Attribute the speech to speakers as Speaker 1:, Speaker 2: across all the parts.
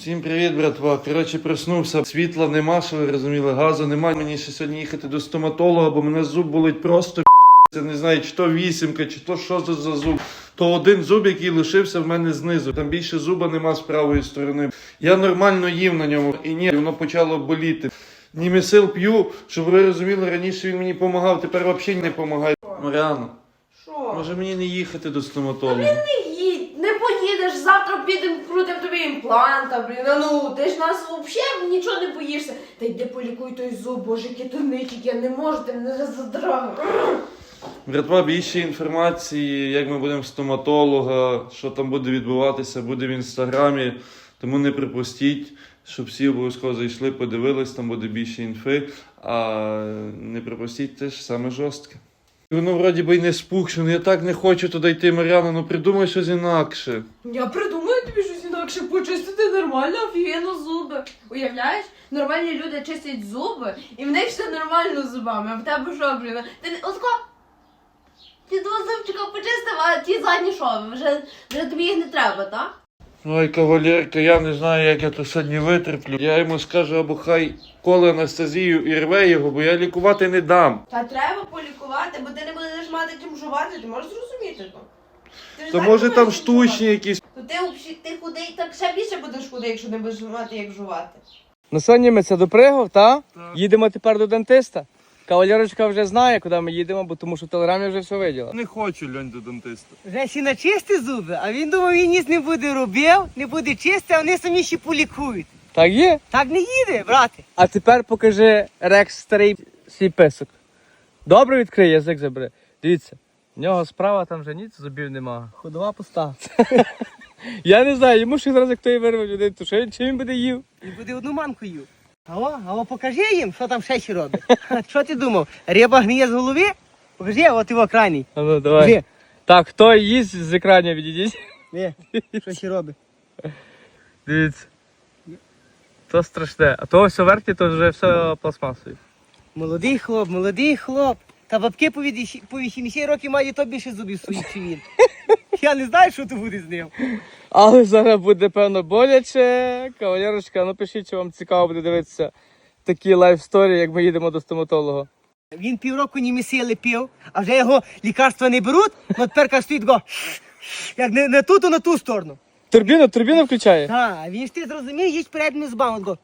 Speaker 1: Всім привіт, братва. Коротше, проснувся. Світла нема, що ви розуміли, газу нема. Мені ще сьогодні їхати до стоматолога, бо мене зуб болить просто я не знаю, чи то вісімка, чи то що це за зуб. То один зуб, який лишився в мене знизу. Там більше зуба нема з правої сторони. Я нормально їв на ньому. І ні, воно почало боліти. Німесил п'ю, щоб ви розуміли, раніше він мені допомагав, тепер взагалі не допомагає. Маріано, може мені не їхати до стоматолога?
Speaker 2: Не поїдеш, завтра підемо, крутимо тобі імпланта, блін. Ну, ти ж нас взагалі нічого не боїшся. Та йди полікуй той зуб, боже, який ти ничик, я не можу, ти мене задрав.
Speaker 1: Братва, більше інформації, як ми будемо в стоматолога, що там буде відбуватися, буде в інстаграмі. Тому не припустіть, щоб всі обов'язково зайшли, подивились, там буде більше інфи. А не припустіть теж саме жорстке. Воно вроді би й не спухше, я так не хочу туди йти, Мар'яна, ну придумай щось інакше.
Speaker 2: Я придумаю тобі щось інакше, почистити нормально, офігенно зуби. Уявляєш? Нормальні люди чистять зуби, і в них все нормально з зубами, а в тебе що, блін? Ти отко, ті два зубчика почистив, а ті задні що? Вже тобі їх не треба, так?
Speaker 1: Ой, кавалерка, я не знаю, як я то сьогодні витерплю. Я йому скажу, або хай коле анестезію і рве його, бо я лікувати не дам.
Speaker 2: Та треба полікувати, бо ти не будеш мати чим жувати, ти можеш зрозуміти то. Ти ж
Speaker 1: То
Speaker 2: так
Speaker 1: може
Speaker 2: не
Speaker 1: там
Speaker 2: можеш
Speaker 1: штучні
Speaker 2: жувати.
Speaker 1: якісь.
Speaker 2: То ти худий, так ще більше будеш худий, якщо не будеш мати як жувати.
Speaker 3: Ну сьогодні ми це допригав, та?
Speaker 1: Так.
Speaker 3: Їдемо тепер до дентиста. Кавалерочка вже знає, куди ми їдемо, бо тому що в телеграмі вже все виділа.
Speaker 1: Не хочу, льонь, до дантиста.
Speaker 4: Вже всі начисти зуби, а він думав, він ніс не буде робив, не буде чисти, а вони самі ще полікують.
Speaker 3: Так є?
Speaker 4: Так не їде, брате.
Speaker 3: А тепер покажи Рекс старий свій писок. Добре відкрий, язик забери. Дивіться, в нього справа там вже ніц зубів нема. Ходова пуста. Я не знаю, йому ще зараз як той вирве людей, то що чи він буде їв?
Speaker 4: Він буде одну манку їв. Ао, покажи їм, що там ще ще робить. Що ти думав? Риба гниє з голови? Покажи, от його крайній.
Speaker 3: А ну давай.
Speaker 4: Де?
Speaker 3: Так, хто їсть з екрану відійдіть?
Speaker 4: Де? Що ще робить?
Speaker 3: Дивіться. То страшне. А то все верхнє, то вже все пластмасове.
Speaker 4: Молодий хлоп. Та бабки по 80 років мають то більше зубів своїх, чи він. Я не знаю, що то буде з ним.
Speaker 3: Але зараз буде, певно, боляче. Кавалерочка, напишіть, чи вам цікаво буде дивитися такі лайф-сторі, як ми їдемо до стоматолога.
Speaker 4: Він півроку німесили пив, а вже його лікарства не беруть, ну тепер стоїть го, як не ту, то на ту сторону.
Speaker 3: Турбіну включає?
Speaker 4: Так, він ж ти зрозумів, їсть переднім збавом, го.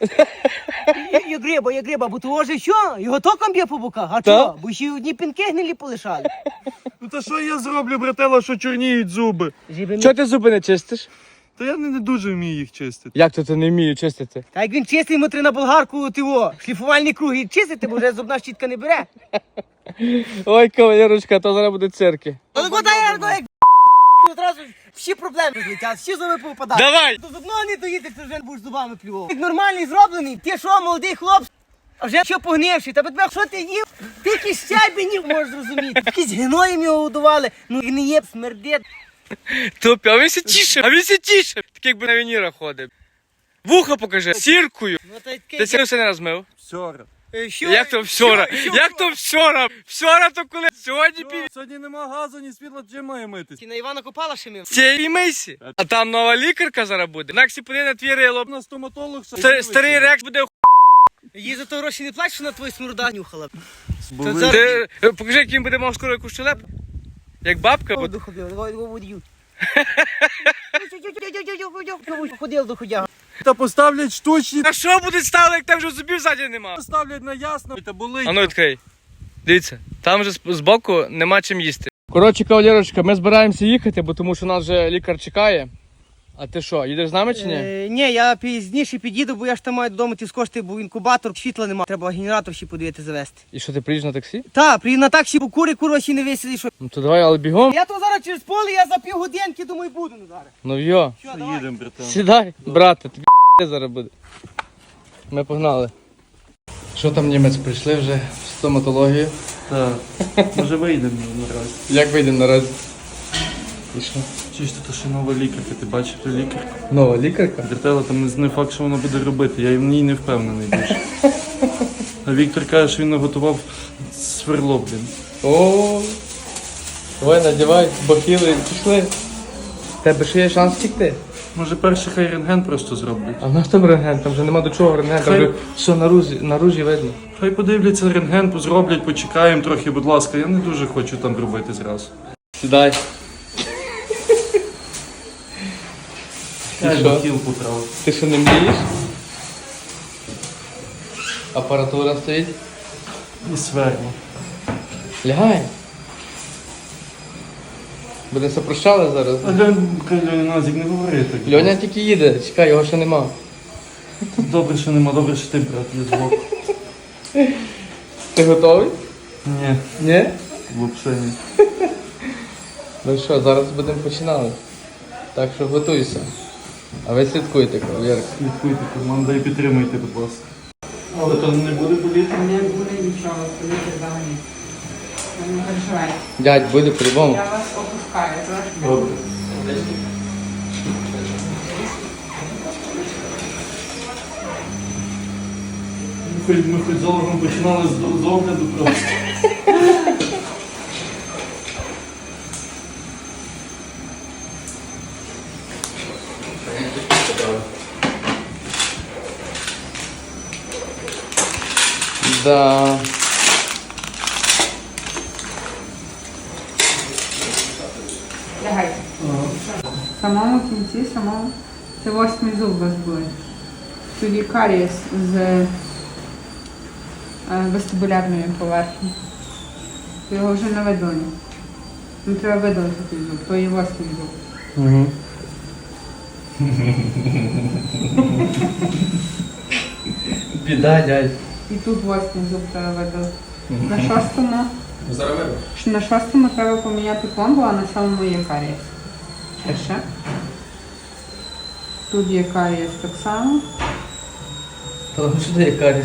Speaker 4: Я гриба, бо того же що? Його током б'є по боках, а чого? Бо ще одні пінки гнилі полишали.
Speaker 1: Ну та що я зроблю, братела, що чорніють зуби?
Speaker 3: Чого ти зуби не чистиш?
Speaker 1: Та я не дуже вмію їх чистити.
Speaker 3: Як то ти не вмію чистити?
Speaker 4: Та як він чистий, йому треба на болгарку шліфувальні круги чистити, бо вже зубна щітка не бере.
Speaker 3: Ой, кавалерочка, то зараз буде цирки.
Speaker 4: Але вода як одразу всі проблеми злетять, всі зуби повпадають.
Speaker 3: Давай!
Speaker 4: До зубного не доїдеш, ти вже будеш зубами плював. Як нормальний зроблений, ти що, молодий хлоп, а вже що погнивший, та тебе що ти їв? Ти якісь щебенів можеш зрозуміти. Якісь гноєм його годували, ну гниє, смердить.
Speaker 3: Тупі, а він се тіше. Так якби на вініра ходив. Вуха покажи, сіркою.
Speaker 4: Ну, та й
Speaker 3: Ти сірку все не розмив?
Speaker 1: Вчора.
Speaker 4: що?
Speaker 3: Як то вчора? Як то вчора? Вчора то коли? Сьогодні
Speaker 1: Сьогодні нема газу, ні світла, чим має митись?
Speaker 4: Ти на Івана Копала ще мив?
Speaker 3: Цієї мийсі. А там нова лікарка зараз буде. Наксі подає на твій рило.
Speaker 1: На стоматолог
Speaker 3: Старий Рекс буде
Speaker 4: Їй за то гроші не плачеш, що на твою сморда нюхала.
Speaker 3: Ти покажи, як він буде мав скоро якусь щелепу. Як бабка.
Speaker 4: Ходив до ходяга.
Speaker 1: Та поставлять штучні.
Speaker 3: А що буде ставити, як там вже зубів ззаді нема?
Speaker 1: Поставлять на ясно. Та болить.
Speaker 3: А ну відкрий. Дивіться, там вже збоку нема чим їсти. Коротше, кавалерочка, ми збираємося їхати, бо тому що нас вже лікар чекає. А ти що, їдеш з нами чи ні?
Speaker 4: Ні, я пізніше під'їду, бо я ж там маю додому ті скошти, бо інкубатор, світла немає. Треба генератор ще подивити завести.
Speaker 3: І що, ти приїдеш на таксі?
Speaker 4: Так, приїду на таксі, бо курва ще не висіли, що.
Speaker 3: Ну то давай, але бігом.
Speaker 4: Я то зараз через поле, я за півгодинки, думаю, буду зараз.
Speaker 3: Ну йо,
Speaker 4: Що, давай.
Speaker 1: Їдемо, братан.
Speaker 3: сідай, брате, тобі зараз буде. Ми погнали. Що там, німець, прийшли вже в стоматологію?
Speaker 1: Так. Може вийдемо наразі.
Speaker 3: Як вийдемо наразі? І що?
Speaker 1: Чуєш, то ще нова лікарка, ти бачив ту лікарку?
Speaker 3: Нова лікарка?
Speaker 1: Братела, там не факт, що вона буде робити, я в ній не впевнений більше. А Віктор каже, що він наготував сверло, блін.
Speaker 3: О, давай надівай, бахіли, пішли. В тебе ще є шанс втікти.
Speaker 1: Може перший хай рентген просто зроблять.
Speaker 3: А в нас там рентген, там вже нема до чого рентген, там
Speaker 1: Хай-
Speaker 3: вже все наружі видно.
Speaker 1: Хай подивляться рентген, зроблять, почекаємо трохи, будь ласка. Я не дуже хочу там робити зразу.
Speaker 3: Сідай.
Speaker 1: Я
Speaker 3: що?
Speaker 1: хотів поправити.
Speaker 3: Ти що не мрієш? Апаратура стоїть.
Speaker 1: І сверло.
Speaker 3: Лягай. Буде сопрощали зараз.
Speaker 1: Назік, не говори так.
Speaker 3: Льоня тільки їде, чекай, його ще нема.
Speaker 1: Добре, що нема, добре, що ти, брат, є звук.
Speaker 3: Ти готовий?
Speaker 1: Ні,
Speaker 3: Ні?
Speaker 1: взагалі ні.
Speaker 3: Ну що, зараз будемо починати. Так що готуйся. А ви слідкуйте, кавалерка.
Speaker 1: Слідкуйте, команда, і підтримуйте, будь ласка. Але то не буде боліти?
Speaker 5: Не буде нічого, політи взагалі. Не переживайте.
Speaker 3: Дядь, буде по-любому.
Speaker 5: Я вас опускаю, трошки.
Speaker 1: Добре. Ми хоч з Олегом починали з огляду просто.
Speaker 3: Да.
Speaker 5: Лягайте. В самому кінці, це 8-й зуб у вас буде. Тоді карієс з вестибулярної поверхні. Його вже не видали. Не треба видалити той зуб, то є 8-й зуб.
Speaker 1: Угу.
Speaker 3: Біда, дядь.
Speaker 5: І тут 8-й зуб треба видалити. На 6-му. На 6-му треба поміняти пломбу, а на 7-му є карієс. Ще. Тут є карієс так само.
Speaker 3: Тому що ти є каріс.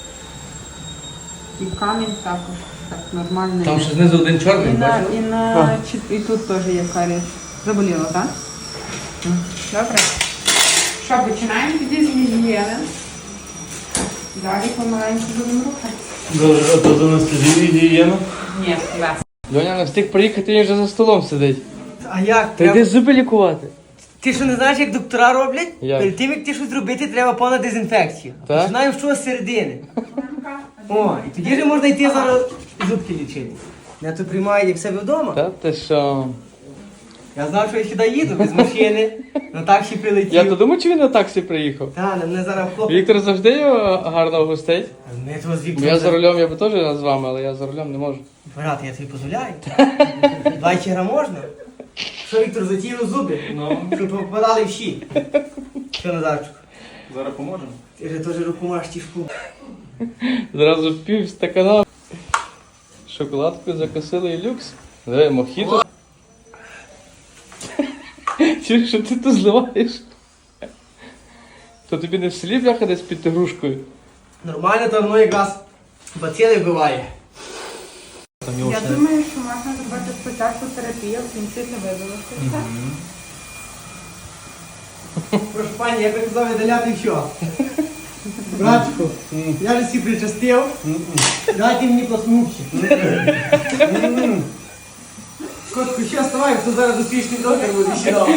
Speaker 5: І камінь також. Так, нормально.
Speaker 3: Там ще знизу один чорний, бачиш?
Speaker 5: І тут теж є карієс. Заболіло, так? Добре. Що, починаємо тоді з гігієни. Далі помаленьку будемо рухати.
Speaker 1: Добре, а то до нас тоді гігієна?
Speaker 5: Ні, без.
Speaker 3: Льоня не встиг приїхати, він вже за столом сидить.
Speaker 4: А як?
Speaker 3: Ти йди зуби лікувати.
Speaker 4: Ти що не знаєш, як доктора роблять?
Speaker 3: Як?
Speaker 4: Перед тим, як ти щось робити, треба повна дезінфекція.
Speaker 3: Так?
Speaker 4: Починаємо з чого з середини. О, і тоді вже можна йти зараз зубки лічити. Я тут приймаю, як в себе вдома.
Speaker 3: Та ти що?
Speaker 4: Я знав, що я сюди їду без машини. На таксі прилетів.
Speaker 3: Я то думаю, чи він на таксі приїхав.
Speaker 4: Та, мене зараз хлопець.
Speaker 3: Віктор завжди його гарно гостить.
Speaker 4: Ми того з
Speaker 3: Бо
Speaker 4: Віктором.
Speaker 3: я за рулем, я би теж з вами, але я за рулем не можу.
Speaker 4: Брат, я тобі дозволяю. 20 грам можна? Що, Віктор, затіяв зуби?
Speaker 1: Ну.
Speaker 4: Щоб попадали в щі. Що, Назарчику?
Speaker 1: Зараз поможемо.
Speaker 4: Ти ж теж руку маєш тішку.
Speaker 3: Зразу пів стакана. Шоколадку закосили і люкс. Диви, мохіто. Чуєш, що ти тут зливаєш? То тобі не в селі бляха десь під грушкою?
Speaker 4: Нормально, то воно якраз бацили вбиває.
Speaker 5: Я думаю, що можна зробити спочатку терапію, в кінці це видалити.
Speaker 4: Прошу пані, я приказав видаляти що? Братчику, я ж всі причастив. Дайте мені пласнувши. Котку, що вставай, хто зараз успішний доктор буде ще.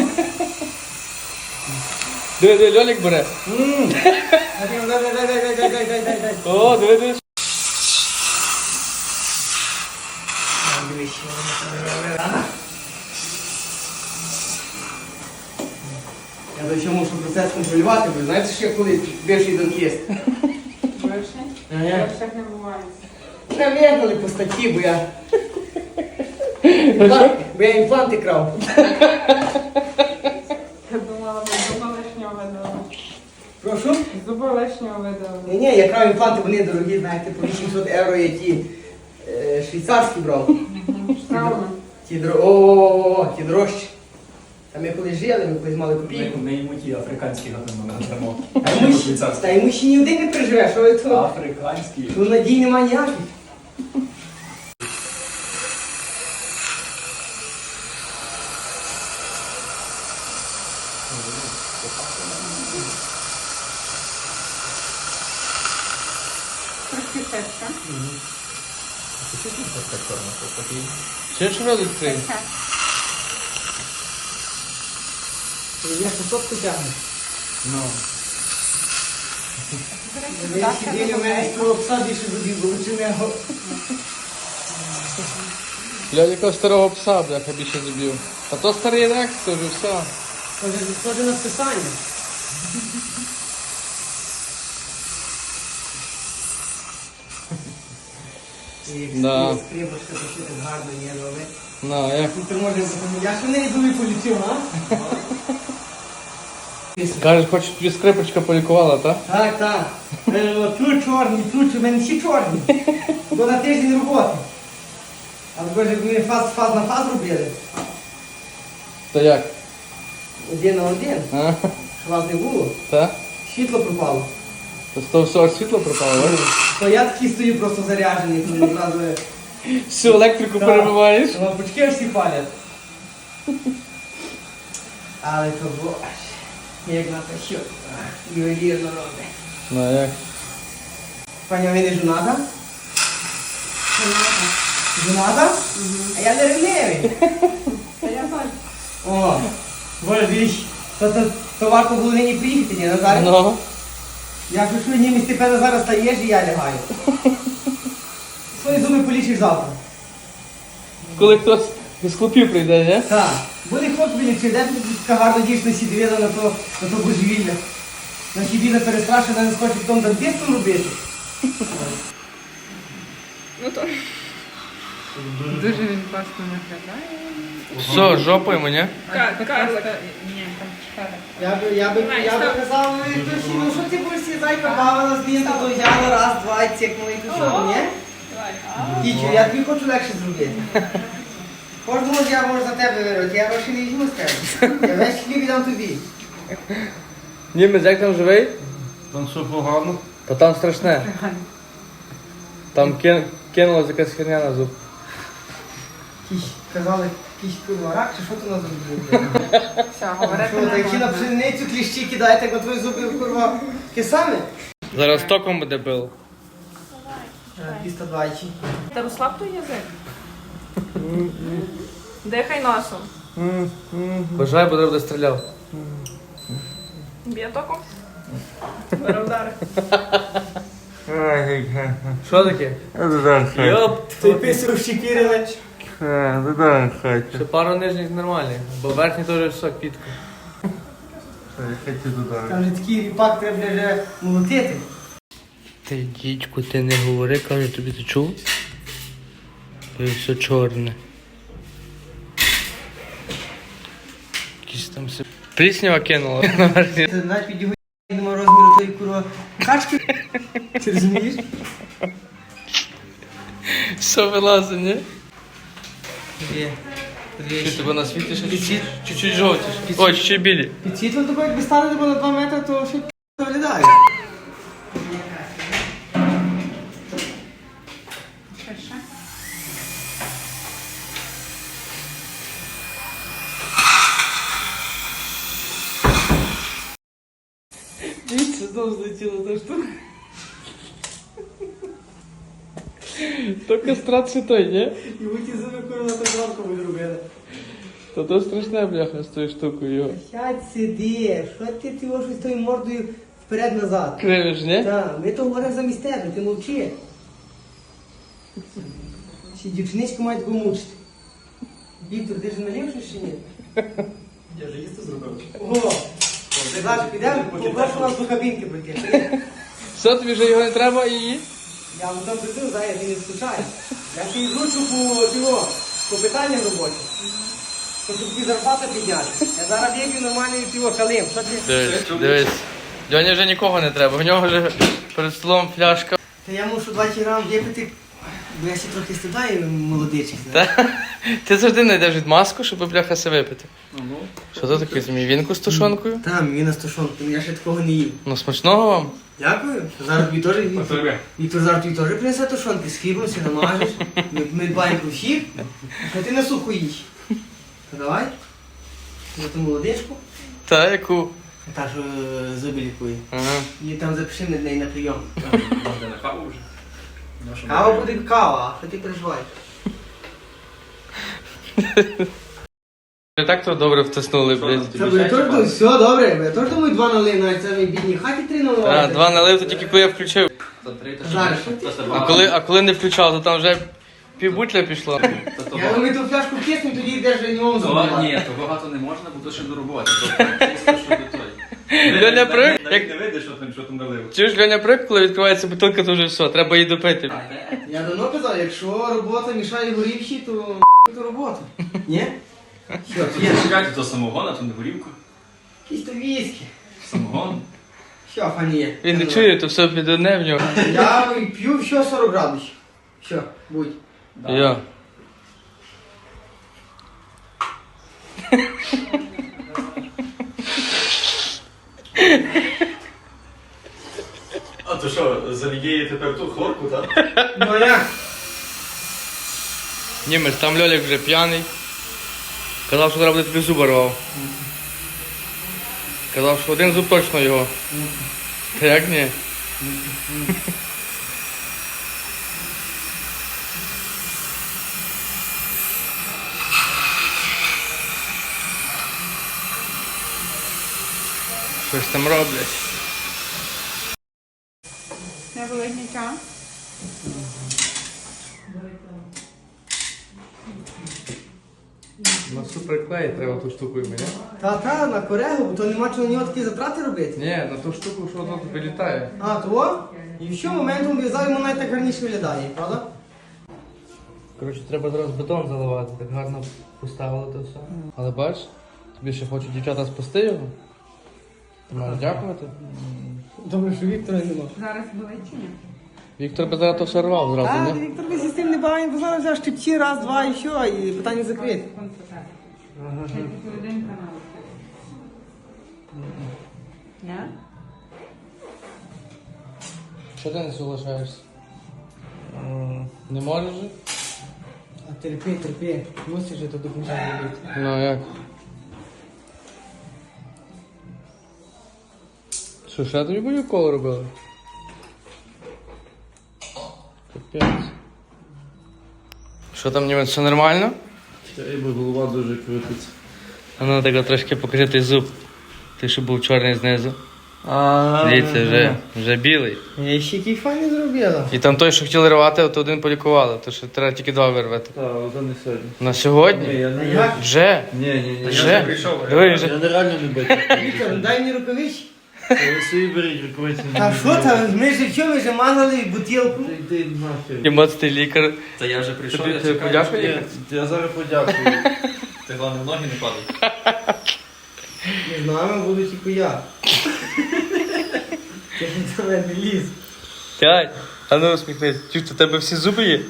Speaker 3: Диви, Льолік бере.
Speaker 4: Дай.
Speaker 3: О, диви.
Speaker 4: Я до чого мушу процес контролювати, бо знаєте, що я колись бивший донкіст.
Speaker 5: Більше? Більше не буває.
Speaker 4: Мене вигнали по статті, бо я... Бо я імпланти крав.
Speaker 5: Я думала, ви зуба лишнього видали.
Speaker 4: Прошу?
Speaker 5: Зуба лишнього видали.
Speaker 4: Ні, я крав імпланти, вони дорогі, знаєте, по 800 євро я ті швейцарські брав.
Speaker 5: Правильно.
Speaker 4: Ті дорожчі. Там ми колись жили, ми колись мали копійку.
Speaker 6: Не йому ті африканські надамо.
Speaker 4: Та йому ще ні один не переживе, що ви тут?
Speaker 6: Африканські.
Speaker 4: Тут надій нема ніяких.
Speaker 5: Трошки терше.
Speaker 3: Ще ж рот відкрий.
Speaker 4: Я кусок тягну.
Speaker 1: Ну.
Speaker 4: Сиділи в мене з того пса більше зубів, бо лучше не його.
Speaker 3: Для якого старого пса, бляха, більше зубів. А то старий рекс, це вже все.
Speaker 4: Схоже на списання.
Speaker 3: Да.
Speaker 4: Скрипочка, то що так гарно є, робить.
Speaker 3: На, як?
Speaker 4: Ну, ти можеш запам'ятати. Я ж не зуби полічив, а?
Speaker 3: Кажеш, хоч тобі скрипочка полікувала, так?
Speaker 4: Так, так. Тут чорні, тут у мене всі чорні. Бо на тиждень роботи. Але боже, як ми фаз на фаз робили.
Speaker 3: То як?
Speaker 4: Один на один.
Speaker 3: А?
Speaker 4: Що вас не було.
Speaker 3: Так?
Speaker 4: Світло пропало.
Speaker 3: То з того всього світло пропало, так?
Speaker 4: То я такий стою просто заряджений, тому одразу
Speaker 3: Всю електрику
Speaker 4: Так.
Speaker 3: перебиваєш?
Speaker 4: лампочки всі палять. Але то боже, як на те що. Ювелірно робить.
Speaker 3: Ну, як?
Speaker 4: Пані, ви не жоната? Жоната? А я не ревнивий. О, боже, дивіться, то варто було нині приїхати, ні, Назар?
Speaker 3: Ну.
Speaker 4: Я пишу, ні, Степана зараз стаєш і я лягаю. Свої зуби полічиш завтра.
Speaker 3: Коли хтось з хлопів прийде, не?
Speaker 4: Так. Буде хлоп вилічив, де тут така гарна дівчина всі дивила на то божевілля. Наші біда перестрашена, не схоче потім дантистом робити.
Speaker 5: Дуже він класно виглядає.
Speaker 3: Все, жопою мені.
Speaker 5: Карлик. Ні, там шкарик.
Speaker 4: Я би казав, ну що ти будеш сі зайка бавила з лінта, то взяла раз, два, і цікнула, і то що, ні? Дічу, я тобі хочу легше зробити. Кожного ж я можу за тебе вирвати, я гроші не візьму з тебе. Я весь хліб віддам тобі.
Speaker 3: Німець, як там живий?
Speaker 1: Там все погано.
Speaker 3: Та там страшне. Там кинулась якась херня на зуб.
Speaker 4: Казали, якийсь курва рак, чи що ти нас зробили?
Speaker 5: Все, говорити
Speaker 4: Що, так чи на пшеницю кліщі кидаєте, як на твої зуби, курва, таке саме?
Speaker 3: Зараз током буде бил.
Speaker 4: 220.
Speaker 5: Та розслаб той язик. Дихай носом.
Speaker 3: Бажай, бо треба буде стріляв.
Speaker 5: Б'є током. Бере удари.
Speaker 3: Що таке? Йоп,
Speaker 4: Той писав щекірили.
Speaker 3: ще пару нижніх нормальних, бо верхні теж все, кітко.
Speaker 4: Там же такий ріпак треба вже молотити.
Speaker 3: Ти, дідьку, ти не говори, кажу, тобі ти чув? Це все чорне. Якісь там все... Пліснява кинула на верхні.
Speaker 4: Це навіть під його нема розміру тої курва качки. Ти розумієш?
Speaker 3: Все вилазить, ні?
Speaker 4: Є.
Speaker 3: Чи тебе на світлі ще чуть-чуть жовтіш? Ой, чуть-чуть білі.
Speaker 4: Під світлом такого, якби стали на 2 метри, то ще виглядає.
Speaker 5: Ширше.
Speaker 3: Дивіться, знову злетіла та штука. То кастрат ще той, ні?
Speaker 4: І ви ті зуби курва так гладко ви зробили.
Speaker 3: То страшне, бляха, з тою штукою його.
Speaker 4: Сядь сиди, що ти його щось тою мордою вперед-назад?
Speaker 3: Кривиш, ні?
Speaker 4: Так, ми то говоримо замість тебе, ти мовчи. Ці дівчинички мають його мучити. Віктор, ти ж налів щось чи ні?
Speaker 6: Я ж їсти зробив.
Speaker 4: Ого! Зараз підемо, попрошу нас до кабінки прийти.
Speaker 3: Що, тобі вже його не треба і її?
Speaker 4: Я вам там прийду, зараз ти не скучаю. Я ще й вручу по питанням робочі. Щоб тобі зарплата підняти. Я зараз вип'ю нормальний пиво калим. Що ти?
Speaker 3: Дивись. Льоні вже нікого не треба, в нього вже перед столом фляжка.
Speaker 4: Та я мушу 20 грам випити, бо я ще трохи стидаю молодичок.
Speaker 3: Та? Ти завжди знайдеш відмазку, щоб бляха се випити. Що то таке, змій вінку з тушонкою?
Speaker 4: Там, він на стошонку, я ще такого не їв.
Speaker 3: Ну смачного вам.
Speaker 4: Дякую. Зараз тобі теж Віктор зараз тобі теж принесе тушонки з хлібом, все намажеш. Ми дбаємо про всіх, а ти на суху їж. Та давай. За ту молодичку.
Speaker 3: Та, яку?
Speaker 4: Та, що зуби лікує.
Speaker 3: Ага.
Speaker 4: І там запиши на неї на прийом.
Speaker 6: Можна на каву вже. Нашу
Speaker 4: Кава буде кава, а що ти переживаєш?
Speaker 3: Так то добре втиснули, блядь.
Speaker 4: Це я теж думаю, все добре, я теж думаю 2 налив, навіть це в бідній хаті 3 наливати.
Speaker 3: А, 2 налив, то тільки коли я включив.
Speaker 4: Зараз.
Speaker 3: А коли не включав, то там вже півбутля пішло.
Speaker 4: Я думаю, ту фляжку киснем, тоді йдеш вже ньому забивати.
Speaker 6: Ні, то багато не можна, бо то ще не роботи. Чисто, що до той.
Speaker 3: Льоня привик,
Speaker 6: Навіть
Speaker 3: як
Speaker 6: не видиш, що там налив.
Speaker 3: чуєш, Льоня привик, коли відкривається бутилка, то вже все, треба її допити.
Speaker 4: Я давно казав, якщо робота мішає горівші, то робота. Ні? Що,
Speaker 6: Тут
Speaker 4: є?
Speaker 6: чекайте, то самогон, а то не горівка.
Speaker 4: Якісь то віскі.
Speaker 6: Самогон.
Speaker 4: Що, фані є?
Speaker 3: Він не чує, то все під одне в нього.
Speaker 4: Я п'ю все 40 градусів. Що, будь.
Speaker 3: Я.
Speaker 6: А то що, залієє тепер ту хлорку, так?
Speaker 4: Ну а як?
Speaker 3: Німець, там Льолік вже п'яний. Казав, що треба буде тобі зуба рвав. Казав, що один зуб точно його. Та як ні? Щось там роблять.
Speaker 5: Не болить нічого?
Speaker 3: На суперклей треба ту штуку мені.
Speaker 4: Та, на корегу, бо то нема чого на нього такі затрати робити.
Speaker 3: Ні, на ту штуку, що воно вилітає.
Speaker 4: А, то? І що моментом в'язав, йому навіть так гарніше виглядає, правда?
Speaker 3: Коротше, треба зараз бетон заливати, так гарно поставили то все. Але бач, тобі ще хочуть дівчата спасти його. Ти маєш дякувати.
Speaker 4: Добре, що Віктора нема.
Speaker 5: Зараз болить чи ні?
Speaker 3: Віктор би зараз то все рвав зразу,
Speaker 4: А,
Speaker 3: не?
Speaker 4: Віктор би з тим не бавить, бо зараз взяв щипці, раз, два і що, і питання закрите.
Speaker 5: Серединка на Ні?
Speaker 3: Що ти не соглашаєшся? Не можеш же?
Speaker 4: А терпи, мусиш же то до кінця робити.
Speaker 3: Ну а як? Що, ще тобі будь коло робили? Капець. Що там, німець, все нормально?
Speaker 1: Бо голова дуже крутиться.
Speaker 3: А ну так трошки покажи той зуб. Ти що був чорний знизу. Дивіться, вже білий.
Speaker 4: Я ще який файний зробила.
Speaker 3: І там той, що хотіли рвати, то один полікували, то що треба тільки 2 вирвати.
Speaker 1: Так, але не сьогодні.
Speaker 3: На сьогодні?
Speaker 1: я не
Speaker 4: Як?
Speaker 3: Вже?
Speaker 1: Ні.
Speaker 3: Вже? Диви, вже.
Speaker 1: Я нереально не бачу.
Speaker 4: Віктор, ну дай мені рукавиці.
Speaker 1: Ви собі беріть рукавиці.
Speaker 4: А що там, ми ж що, ми ж мазали бутилку.
Speaker 1: Йди нахер.
Speaker 3: І моцний лікар.
Speaker 6: Та я вже прийшов,
Speaker 3: Тобі
Speaker 6: я
Speaker 3: ти
Speaker 6: чекаю.
Speaker 3: подякував
Speaker 1: Ні,
Speaker 3: лікар?
Speaker 1: я зараз подякую.
Speaker 6: Ти головне в ноги не падай.
Speaker 4: Між нами буду тільки я. Ти до мене не ліз.
Speaker 3: П'ять. А ну усміхнись. Чуєш, у тебе всі зуби є?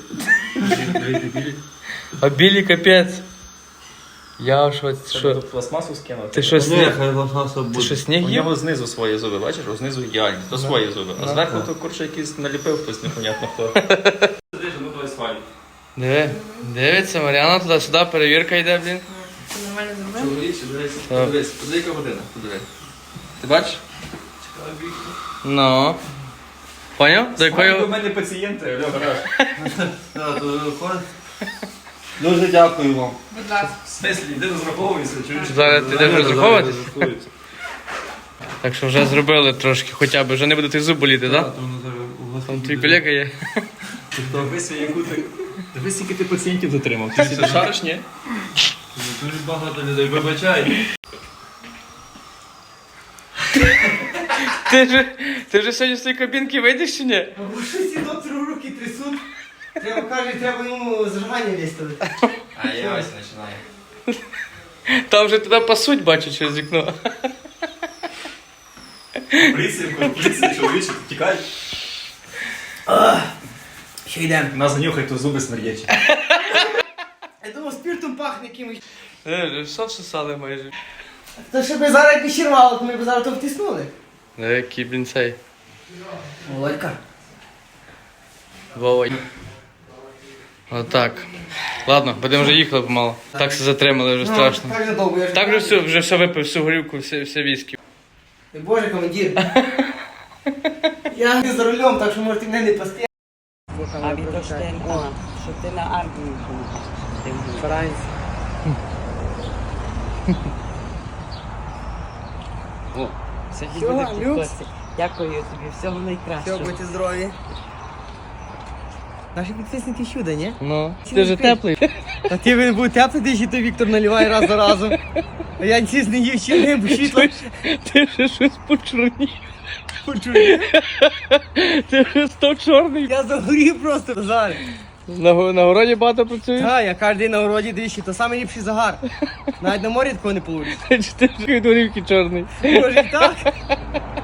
Speaker 3: А білі капець. Я в шоці, що?
Speaker 6: Пластмасу скинув.
Speaker 3: Ти що,
Speaker 1: Ні,
Speaker 3: сніг?
Speaker 1: хай лохаса
Speaker 3: Ти
Speaker 1: буде.
Speaker 3: що,
Speaker 6: У
Speaker 3: сніг їв?
Speaker 6: нього знизу свої зуби, бачиш? О, знизу ідеальні, то свої зуби. А зверху то курче якийсь наліпив хтось непонятно хто. Ну давай сваль.
Speaker 3: Диви, дивиться, Мар'яна туди-сюди, перевірка йде, блін.
Speaker 2: Ти нормально зробив?
Speaker 6: Чоловіче, дивись,
Speaker 3: Так.
Speaker 6: подивись, подивись, яка година, подивись. Ти бачиш?
Speaker 3: Ну. Поняв? До
Speaker 6: У
Speaker 3: якої...
Speaker 6: мене пацієнти, Альо, гараж.
Speaker 1: Так, то виходить. Дуже дякую вам.
Speaker 5: Будь ласка.
Speaker 6: В смислі, йди розраховуйся, чуєш?
Speaker 3: Зараз ти йдеш розраховуватись?
Speaker 1: Розрахується.
Speaker 3: Так що вже зробили трошки, хоча б, вже не буде тих зуб боліти, так?
Speaker 1: Так, то воно зараз у вас
Speaker 3: Там
Speaker 1: буде.
Speaker 3: твій колега є.
Speaker 6: Дивись, яку ти... Дивись, скільки ти пацієнтів затримав. Ти всі шариш, ні?
Speaker 1: Дуже багато людей, вибачай.
Speaker 3: Ти вже сьогодні з цієї кабінки вийдеш чи ні?
Speaker 4: Або щось і доктору руки трясуть. Треба, каже, треба йому зажигання виставити.
Speaker 6: А я ось починаю.
Speaker 3: Там вже тебе пасуть, бачу, через вікно.
Speaker 6: Поліція, чоловіче, тікай.
Speaker 4: Що йдемо?
Speaker 6: Нас занюхай, то зуби смердячі.
Speaker 4: Я думав, спіртом пахне якимось.
Speaker 3: Вже все всосали майже.
Speaker 4: То ще би зараз якби ще то ми б зараз то втиснули.
Speaker 3: Який, блін, цей.
Speaker 4: Володька.
Speaker 3: Вова. Отак. Ладно, будемо вже їхали помало. Так все затримали, вже страшно.
Speaker 4: Так же довго, я ж...
Speaker 3: Так вже все випив, всю горівку, все віскі.
Speaker 4: Ой, Боже, командир. Я не за рулем, так що можете мене не пасти.
Speaker 7: А від Оштельна, щоб ти на армію.
Speaker 4: Франці. Всього, люкс.
Speaker 7: Дякую тобі, всього найкращого.
Speaker 4: Все, будьте здорові. Наші підписники чудо, ні?
Speaker 3: Ну,
Speaker 4: Чи
Speaker 3: ти
Speaker 4: не
Speaker 3: же
Speaker 4: спиш?
Speaker 3: теплий.
Speaker 4: А ти він був теплий, ти ще той Віктор наливає раз за разом. А я ніц не їв, чи не бо світло.
Speaker 3: Ти ще щось почорнів.
Speaker 4: Почує.
Speaker 3: Ти вже став чорний.
Speaker 4: Я загорів просто зараз.
Speaker 3: На городі багато працюєш?
Speaker 4: Так, я кожен день на городі двічі, то самий ліпший загар. Навіть на морі такого не получиш.
Speaker 3: Чи ти вже від горівки чорний?
Speaker 4: Може і так?